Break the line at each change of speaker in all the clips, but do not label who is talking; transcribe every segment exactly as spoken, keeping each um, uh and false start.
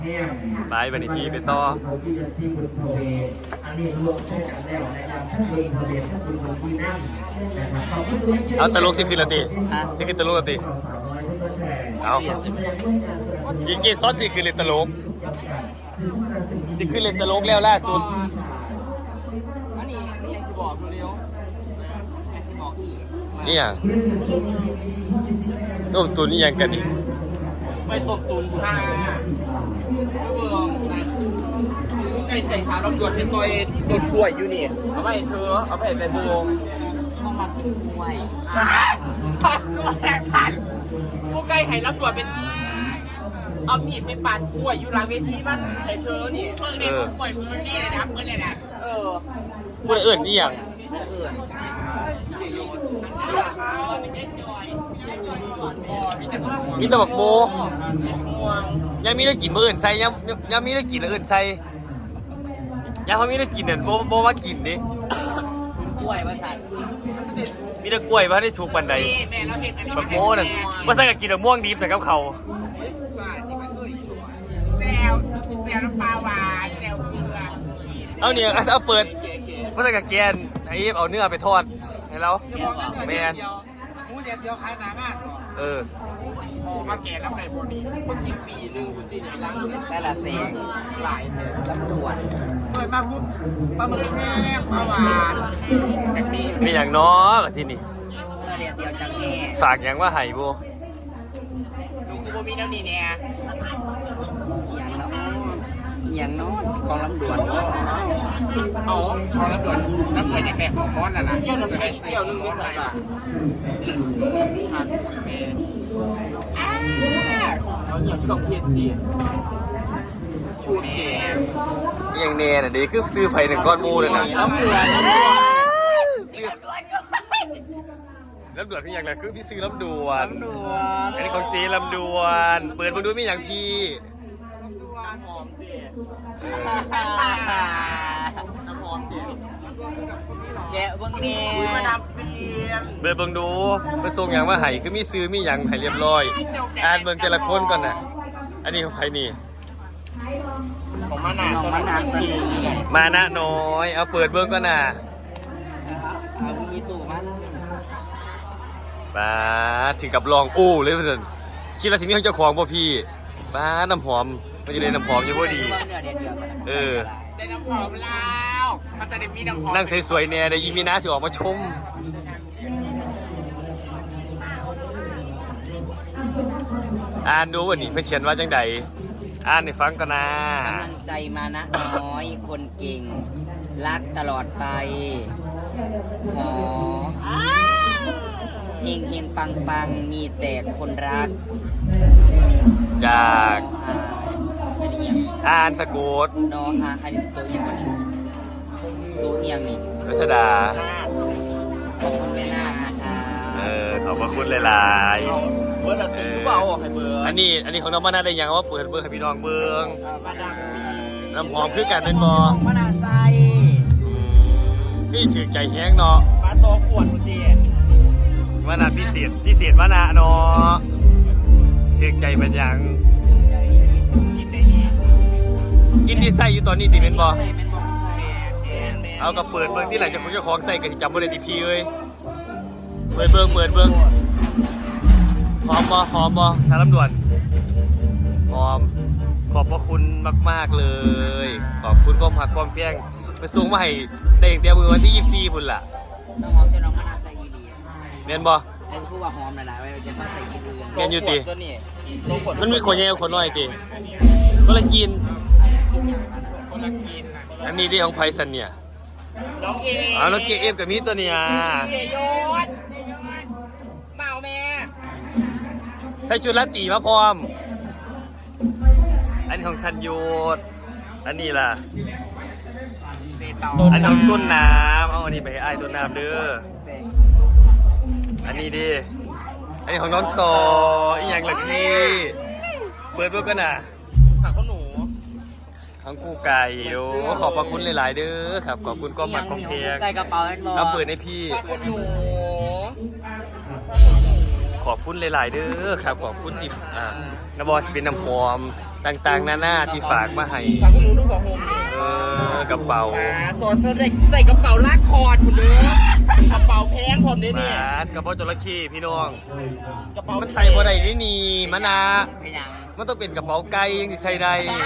ไปบันทีไปต่อเอาตลกสิคือละตีสิคือตลกละตีเอายิงเกซอสสิคือเล่นตลกจะคือเล่นตลกแล้วล่าสุด
อันนี้นี่ยังสิบอกเร็วยังสิบอกอีก
นี่อย่างต้มตุนนี่ยังกันอีก
ไปต้มตุนค่ะเบื้องนะไก่ใส่สารรบกวนเป็นตัวโดนช่วยอยู่นี่เอาไปเธอเอาไปไปบูงต้องมากินกล้วยผัดกล้วยผัดพวกไก่ไห่รับตรวจเป็นเอามีดไปปาดกล้วยอยู่หลังเวทีมันไห่เธอนี่เพิ่งได้กล้วยเพิ่งนี่เลยนะเพิ่งเลยนะเออ
พูดอื่นนี่อย่างมีตะบักโมยังมีเรื่องกินมื้ออื่นใส่ยังยังมีเรื่องกินอื่นใส่ยังเขามีเรื่องกินเนี่ยโบโบว่ากินดิ
กล้วยมาใส่
มีแต่กล้วยมาได้สุกปันใดบักโมนั่นมาใส่กับกินแต่ม่วงดิบแต่กับเขา
แซวแซวน้ำปลาหวานแซวเกลือ
เอาเนี่ยเอาเปิดมาใส่กับแกนไอ้เอาเนื้อไปทอดให้เราแมน
มูเดียวเดียวขายหนามาก
เออ
มาแก่แล้วไก่โบนีเมื่อกี้ปีหนึ่งคุณตีนี่ล้างแต่ละเซงหลายเถอะตำรวจเปิดมาปุ๊บปลาหมึกแห้งปลาหวานแบบนี้
มีอย่างน้อแบบที่นี่
เดียวเดียวจังแง่
ฝากอย่างว่าไห่โบ
ดูคือโบมีน้ำนี่เนี่ยอย่างน้อยกองลำดวนเอากองลำดวนน้ำเงินอย่างแรกของม้อนน่ะนะเกี่ยวน้ำแข็งเกี่ยวนึงไม่ใส่ป่ะเอาอย่างเครื่องเพชรดีชูดเก๋
อย่างเน่น่ะดีคือซื้อไผ่หนึ่งก้อนมูเลยนะ
ลำดวน
ลำดวนที่อย่างไรคือพี่ซื้อลำดวนอันนี้ของจีลำดวนเปิดมาดูมีอย่างพี่
น้ำหอมเตี๋ยน้ำหอมเตี๋ยแกะเบิ้งเน่มาดามเฟียน
เบิร์เบิ้งดูไปส่งอย่างว่าไห่คือมีซื้อมีอย่างไห่เรียบร้อยอ่านเบิ้งแต่ละคนก่อนน่ะอันนี้ของใครนี่
ของมานาของมานาสี
มานะน้อยเอาเปิดเบิ้งก่อนน่ะ
เอามีตู้มานะ
ป้าถึงกับลองอู้เลยเพื่อนคิดว่าสิมีของเจ้าของป่ะพี่ป้าน้ำหอมมันจะได้น้ำหอมอยู่พอดีเออ
ได้น้ำหอมแล้วเขาจะได้มีน้ำหอม
นั่งสวยๆเนี่ยได้อีมีน้าสิออกมาชมอ่านดูวันนี้เพื่อนเขียนว่าจังใดอ่านให้ฟังกันนะ
กำลังใจมานะน้อยคนเก่งรักตลอดไปหอเฮงเฮงปังปังมีแต่คนรัก
จากอ่านสกูต
นอฮาอันนี้ตัวอย่างนี้ตัวอย่างนี้
รัชดา
ขอบคุณแม่นาคนะคะ
เออขอบพระคุณหลายๆ
เบอร์ละตัวเปล่าให้เบอร์
อันนี้อันนี้ของน้องมานาได้ยังว่าเปิดเบอร์ให้พี่น้องเบิ้ง
มาดัง
น้ำหอมคือกันเป็นบอ
มานาไซ
พี่ถือใจแห้งเนาะ
มาโซ่ขวดคุณดี
มานาพิเศษพิเศษมานาเนาะถือใจเป็นยังกินที่ใส่อยู่ตอนนี้ติเป็นบอเอากับเปิดเบิ้งที่หลังจากคนเจ้าของใส่กันจำบริษัทพีเลยเปิดเบิ้งเปิดเบิ้งหอมบอหอมบอสารลำดวนหอมขอบพระคุณมากๆเลยขอบคุณก้มหักก้มเพียงไปส่งมาให้ได้เตรียมมือวันที่ยี่สิบสี่พุ่นล่ะ
น้องหอมจะน้องมานาใส่ยีรี
เมียนบอ
เป็นผู้ว่าหอมหลายๆไว้จะมาใส่ยีรี
เมียนอยู่ตีมันมีขนเยอะขนน้อยตีก็เลยกินอันนี้ที่ของไพซันเนี่ย
น้องเอ
อ๋อน้องเกเอฟกับมีตัวเนี่ย
เกยศเมาแม่
ใส่ชุดลาตีมาพร้อมอันนี้ของทันยูดอันนี้ล่ะอันนี้ของต้นน้ำเอาอันนี้ไปให้ไอ้ต้นน้ำเด้ออันนี้ดิอันนี้ของน้องต่ออีกอย่างละพี่เปิดเบิ้งกันน่ะ
ผักข้าวหนู
ทั้งคู่ไก่โอ้ขอบพระคุณหลายๆเด้อครับขอบคุณก้อมผักของเพียง
ไก่กระเป๋า
เอาเปิดให้พี่ขอบคุณหลายๆเด้อครับขอบคุณที่อ่านบอสเป็นน้ำหอมต่างๆนานาที่ฝากมาให้
ฝากคุณหนูดูบอกโฮมนี่
เออกระเป๋า
อ่าสอดใส่ใส่กระเป๋าลากคอร์ดคุณเด้อกระเป๋าแพงผมเนี่ยนี่
บาดกระเป๋าจระเข้พี่น้อง
กระเป๋า
มันใส่บ่ได้นี่นี่มะนา
ไม่ยัง
มันต้องเป็นกระเป๋าไก่ยังสิใส่ได้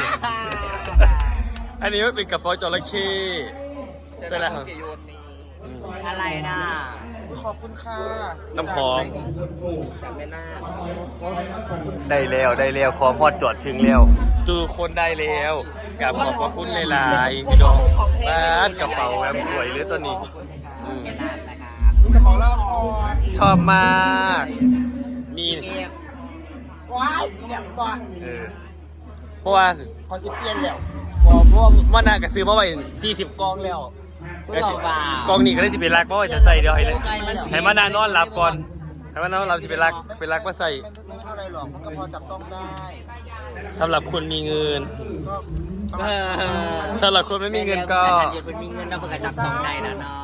อันนี้มันเป็นกระเป๋าจระเข้ใส่แล้วครับ
อะไรนะขอบคุณค่ะ
น้ำหอม
จากแม่นาค
ได้แล้วได้แล้วขอพอดจอดถึงแล้วตูคนได้แล้วกับขอบพระคุณหลายๆพี่น้องบ้านกระเป๋าแบบสวยเลยตัวนี้อืม
แม่นาคนะครับนี่กระเป๋าลากคอร์ด
ชอบมากนี่
เก็บว้ายเก็บก่อน
เออเพราะว่า
ขอสิเปลี่ยนแล้ว
พอพวกว่านากระซื้อมาไว้สี่สิบกองแล้วกองนี้ก็ได้สิเป็นรักเพราะว่าจะใส่เดียวให้เลยให้มานานอนหลับก่อนให้มานอนหลับสิเป็นรักเป็นรักมาใส่
ไม่เท่าไรหรอกมันก็พอจับต้องได้
สำหรับคนมีเงิน
ก็
สำหรับคนไม่มีเงินก็
เดี๋ยวมันมีเงินเราเพิ่งจะจับต้องได้แล้วเนาะ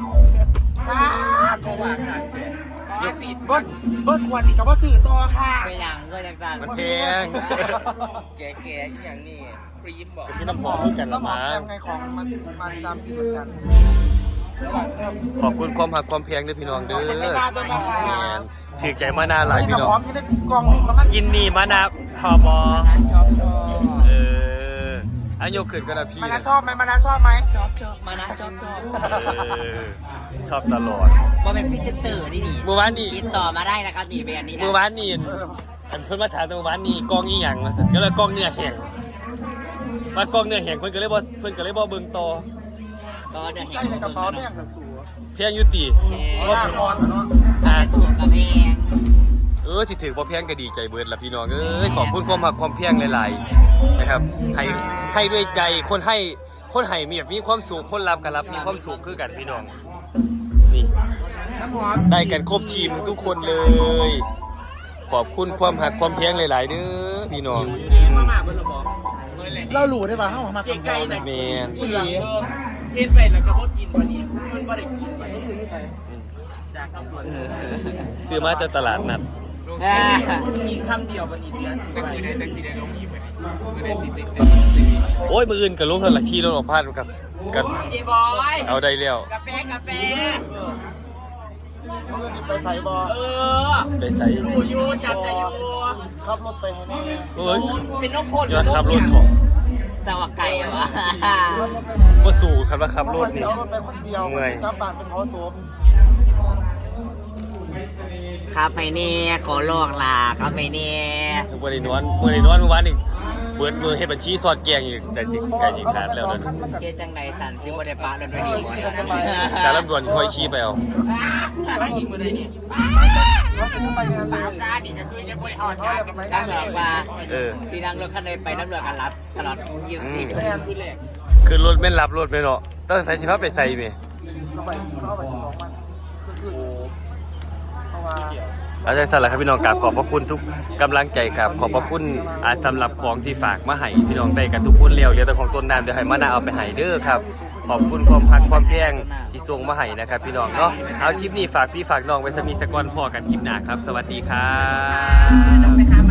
โทรมาค่ะเบิ้ลเบิ้ลควรอีกกับว่าสื่อต่อค่ะ
ไปอย่างก็ยังการ
มันแพง
แก่แก่อย่างนี้ครีมบอก
ที่น้ำหอมด้วยกันละมั้ง
ไงของมันมันตามที่เหมือนกัน
ขอบคุณความหักความแพงด้วยพี่น้องเด้อ
ขอบคุณไม่นานด้วยนะคะ
แมนถือใจมานาหลายพี่น้อง
พร้อมที่ได้กองนี่ประมาณ
กินนี่มานาชอบอ
ชอบชอบ
เอออันยกขึ้นก็ได้พี่
มานาชอบไหมมานาชอบไหม
ชอบชอบมานะชอบชอบ
เออชอบตลอด
ว่าเป็นฟิสิเตอร์นี่นี่
เมื่อวานนี่
ติดต่อมาได้นะครับนี่เป็นอันนี้นะ
เมื่อวานนี่อันเพิ่นมาถามแต่เมื่อวานนี่กล้องอีหยังมาสั่นก็เลยกล้องเนื้อแห้งว่ากล้องเนื้อแห้งเพิ่นก็เลยบ่เพิ่นก็เลยบ่เบิ่งต่อ
ก็เดี๋ยวเห็น
ใกล้ในกระเป๋าแม่งกระสู
เพียงอยู่ติ
หน้าคอนเนาะ
อ่ะ
ตัวกับแพง
เออสิถือบ่เพียงก็ดีใจเบิดล่ะพี่น้องเอ้ยขอบคุณความหักความเพียงหลายๆนะครับให้ให้ด้วยใจคนให้คนให้มีแบบมีความสุขคนรับก็รับมีความสุขคือกันพี่น้องนี่
น้ำหอม
ได้กันครบทีมทุกคนเลย ขอบคุณความหักความเพียงหลาย ๆ เด้อพี่น้อง
เราหลู่ได้ป่ะเข้ามาคำนวณ
แมน
อีหลี
เฮ็ดไปแล้วก็บ่กินวันนี้มันบ่ได้กินวันนี้
คือใคร
จากตำรวจ
ซื้อมาจากตลาดนัด
อ่า
กินคำเดียววันนี้เดือนสิไปได้สิได้ลงอีกวันนี้ได้สิติด
โอ้ยมืออื่นกับลุงเท่าไหร่ขี่รถออกพลาดกับกัน
เจบอย
เอาได้แล้ว
กาแฟกาแฟ
เมื่อนี้ไปใส่บอ
เออ
ได้ใส่
อยู่อยู่จำได้อยู่
ขับรถไปให้แน่
เอ้ย
เป็นนกคน
ยอดขับรถถอ
แต่ว่าไก่วะ
ก็สู่ครับว่าขับรถนี่
เอารถไปคนเดียว
เมื่อย
กลับบ้านเป็นหอโสม
ครับไปเนี่ยขอลอกลาครับไปเนี่ย
เมื่อได้นอนเมื่อได้นอนเมื่อวานนี่เบิดมือเฮ็ดบัญชีสอดแกงอีกแต่จิไก่จิขาดแล้วนั่น
เกจังใดสันซิบได้ปะรถไปดีหมด
สารลำดวนค่อยขี่ไปเอา
ไปอีกมื้อใดนี่
เขาจะไปงานเลย
กาดิก็คือยังบ่ได้ฮอด
เขาจะไป
ตำรวจว่า
เออ
สีนั่งรถคันใดไปตำรวจกันรับตลอดยี่สิบ
แม่น
คือแรก
คือรถแม่นรับรถไปเนาะต้องไปสิพาไปใส่แม่
เขาไปเขาไปสองวันคือคือเพราะว่า
อาจารย์สั่นแหละครับพี่น้องกราบขอบพระคุณทุกกำลังใจครับขอบพระคุณอ่าสำหรับของที่ฝากมาให้พี่น้องได้กันทุกคนแล้วเหลือแต่ของต้นน้ำเดี๋ยวให้มานาเอาไปให้เด้อครับขอบคุณความพักความแพงที่ส่งมาให้นะครับพี่น้องเนาะเอาคลิปนี้ฝากพี่ฝากน้องไว้สมีสกอนพอกันคลิปหน้าครับ สวัสดีครับ
ไปหา